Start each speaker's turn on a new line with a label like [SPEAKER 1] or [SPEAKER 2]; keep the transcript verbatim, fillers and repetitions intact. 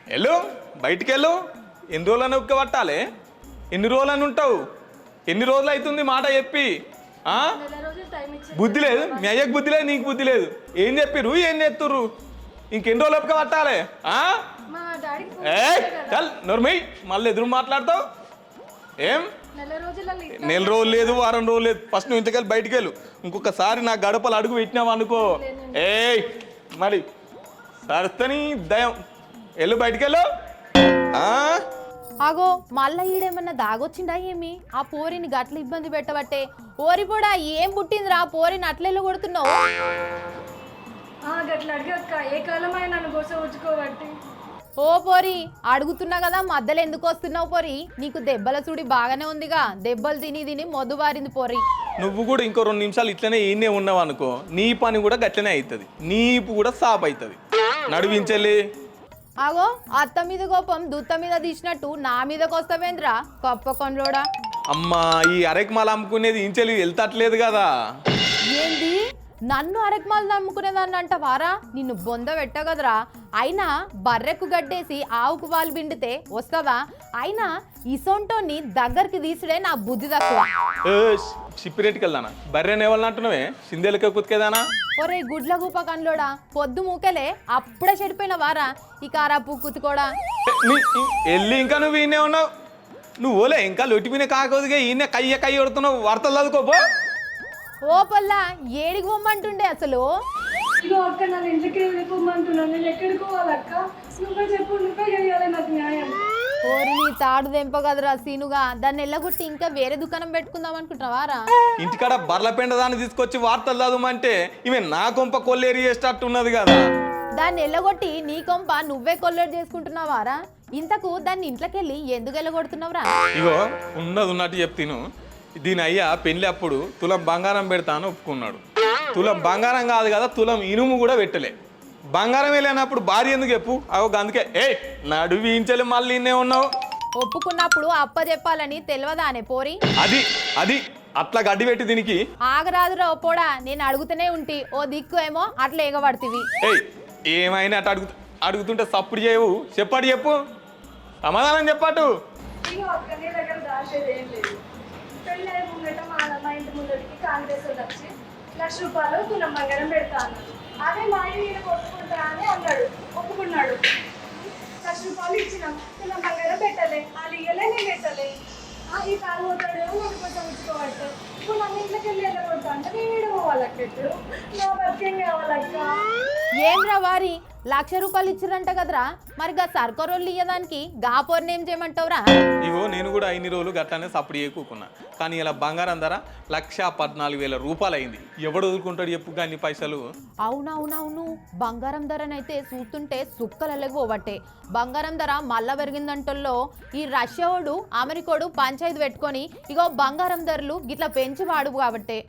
[SPEAKER 1] వెళ్ళు బయటికి వెళ్ళు. ఎన్ని రోజులని ఒక్క పట్టాలి? ఎన్ని రోజులని ఉంటావు? ఎన్ని రోజులు అవుతుంది మాట చెప్పి? ఆ? బుద్ధి లేదు, మీ అయ్యకు బుద్ధి లేదు, నీకు బుద్ధి లేదు. ఏం చెప్పిర్రు, ఏం చేస్తుర్రు? ఇంకెన్ని రోజులు ఒక్క పట్టాలి? ఏ చల్ నోర్మై, మళ్ళీ ఎదురు మాట్లాడతావు ఏం? నెల రోజులు లేదు, వారం రోజులు లేదు. ఫస్ట్ నువ్వు ఇంతకెళ్ళి బయటికి వెళ్ళు. ఇంకొకసారి నా గడపలు అడుగు పెట్టినావు అనుకో, ఏయ్ మరి సరస్తని దయం. వెళ్ళు బయటికి వెళ్ళు.
[SPEAKER 2] ఆగో మళ్ళా ఈడేమన్నా దాగొచ్చిండా ఏమి? ఆ పోరిని గట్ల ఇబ్బంది పెట్టబట్టే. ఓరి కూడా ఏం పుట్టిందిరా పోరిని అట్లెళ్ళు కొడుతున్నావు?
[SPEAKER 3] ఏ కాలమైన నన్ను గోస ఉంచుకోబట్టి.
[SPEAKER 2] ఓ పోరి అడుగుతున్నా కదా మధ్యలో ఎందుకు వస్తున్నావు పోరి? నీకు దెబ్బల చూడి బాగానే ఉందిగా, దెబ్బలు తిని తిని మొద్దు బారింది పోరి.
[SPEAKER 1] నువ్వు కూడా ఇంకో రెండు నిమిషాలు ఇట్లనే ఈయనే ఉన్నావు అనుకో, నీ పని కూడా గట్లనే అవుతుంది, నీపు కూడా సాప్ అవుతుంది. నడివించలే.
[SPEAKER 2] ఆగో అత్త మీద కోపం దుత్త మీద తీసినట్టు నా మీదకి వస్తావేంద్రా గొప్ప కొండ్లోడా?
[SPEAKER 1] అమ్మా ఈ అరెకమాల అమ్ముకునేది ఇంచెలి వెళ్తట్లేదు కదా.
[SPEAKER 2] ఏంది నన్ను అరకమాలు నమ్ముకునేదాన్ని అంట వారా? నిన్ను బొంద పెట్టగదరా. అయినా బర్రెకు గడ్డేసి ఆవుకు వాళ్ళు పిండితే వస్తుందా? అయినా ఇసొంటోని దగ్గరికి తీసుడే నా బుద్ధి తక్కువ.
[SPEAKER 1] షిప్పిరెట్కి వెళ్దానా? బర్రెని ఎవరు అంటున్నావే? సిందేలకే కుతికేదానా?
[SPEAKER 2] ఒరే గుడ్ల గూప కన్లోడా, పొద్దు మూకలే అప్పుడే చెడిపోయిన వారా ఈ కారాపు కుతుకోడా.
[SPEAKER 1] వెళ్ళి ఇంకా నువ్వు ఈయనే ఉన్నావు. నువ్వు ఓలే ఇంకా లొట్టిపోయిన కాకపోతే ఈయనే కయ్య కయ్య కొడుతున్నావు. వార్తలు చదువుకోపో.
[SPEAKER 2] ఓ పల్లా ఏడికి పొమ్మంటుండే అసలు?
[SPEAKER 3] ఇగో అక్క నన్ను ఇంటికి వెళ్ళిపోమంటున్నాను. నేను ఎక్కడికి పోవాలక్క? నువ్వే చెప్పు, నువ్వే చేయాలి నాకు న్యాయం.
[SPEAKER 2] ఓరి నీ తాడు దెంప కదరా సీనుగా, దాన్ని ఎల్లగొట్టి ఇంకా వేరే దుకాణం పెట్టుకుందాం అనుకుంటున్నావారా?
[SPEAKER 1] ఇంటికాడ బర్ల పెండ దాన్ని తీసుకొచ్చి వార్తలు చదవమంటే ఈమె నా కొంప కొల్లేరి చేసేటట్టు ఉన్నది కదా.
[SPEAKER 2] దాన్ని ఎల్లగొట్టి నీ కొంప నువ్వే కొల్లేరు చేసుకుంటున్నావారా? ఇంతకు దాన్ని ఇంట్లోకెళ్ళి ఎందుకు ఎల్లగొడుతున్నావురా?
[SPEAKER 1] ఇగో ఉన్నది ఉన్నట్టు చెప్తాను. దీని అయ్యా పెళ్లి అప్పుడు తులం బంగారం పెడతా అని ఒప్పుకున్నాడు. తులం బంగారం కాదు కదా, తులం ఇనుము కూడా పెట్టలే. బంగారం వెళ్ళినప్పుడు భార్య ఎందుకు చెప్పు? అగో అందుకే ఏ నడువించలే మళ్ళీ ఇన్నే ఉన్నావు.
[SPEAKER 2] ఒప్పుకున్నప్పుడు అప్ప చెప్పాలని తెలియదా అనే పోరి?
[SPEAKER 1] అది అది అట్లా గడ్డి పెట్టి దీనికి
[SPEAKER 2] ఆగరాదురా పోడా, నేను అడుగుతూనే ఉంటి, ఓ దిక్కు ఏమో అట్లా ఎగబడుతుంది.
[SPEAKER 1] ఏయ్ ఏమైనా అట్లా అడుగు అడుగుతుంటే సప్పుడు చేయవు. చెప్పాడు చెప్పు, సమాధానం చెప్పాటు.
[SPEAKER 3] ఇగో అక్క నీ దగ్గర దాచేది ఏం లేదు. పెళ్ళి అయి ముంగట మా మా ఇంటి ముందరికి కాంగ్రెస్ వాళ్ళు వచ్చి లక్ష రూపాయలు తులం బంగారం పెడతా అన్నాడు. అదే మా ఆయన నేను కొట్టుకుంటా అని అన్నాడు, ఒప్పుకున్నాడు. లక్ష రూపాయలు ఇచ్చినాం, తులం బంగారం పెట్టలే, వాళ్ళు ఇయ్యలే, నేను పెట్టలే. ఈ కాలు పోతాడు నన్ను కొంచెం ఉంచుకోవచ్చు. ఇప్పుడు నన్ను ఇంట్లోకి వెళ్ళి వెళ్ళకూడదు అంటే నేను ఏడు పోవాలక్కట్టు. నా బతికేం కావాలక్క?
[SPEAKER 2] ఏంద్రా వారి లక్ష రూపాయలు ఇచ్చిరంట కదరా, మరి గా సర్కారోళ్ళు ఇయ్యదానికి గా పోర్ని ఏం చేయమంటావురా?
[SPEAKER 1] ఇగో నేను కూడా ఇన్ని రోజులు గట్లానే సప్పుడు చేయకున్నా, కానీ ఇలా బంగారం ధర లక్ష పద్నాలుగు వేల రూపాయలు అయింది. ఎవడు వదులుకుంటాడు చెప్పు కానీ పైసలు?
[SPEAKER 2] అవునవునవును, బంగారం ధరనైతే చూస్తుంటే సుక్కలు పోవట్టే. బంగారం ధర మళ్ళా పెరిగిందంటల్లో ఈ రష్యాడు అమెరికాడు పంచాయతీ పెట్టుకొని ఇగో బంగారం ధరలు గిట్లా పెంచి వాడు కాబట్టే.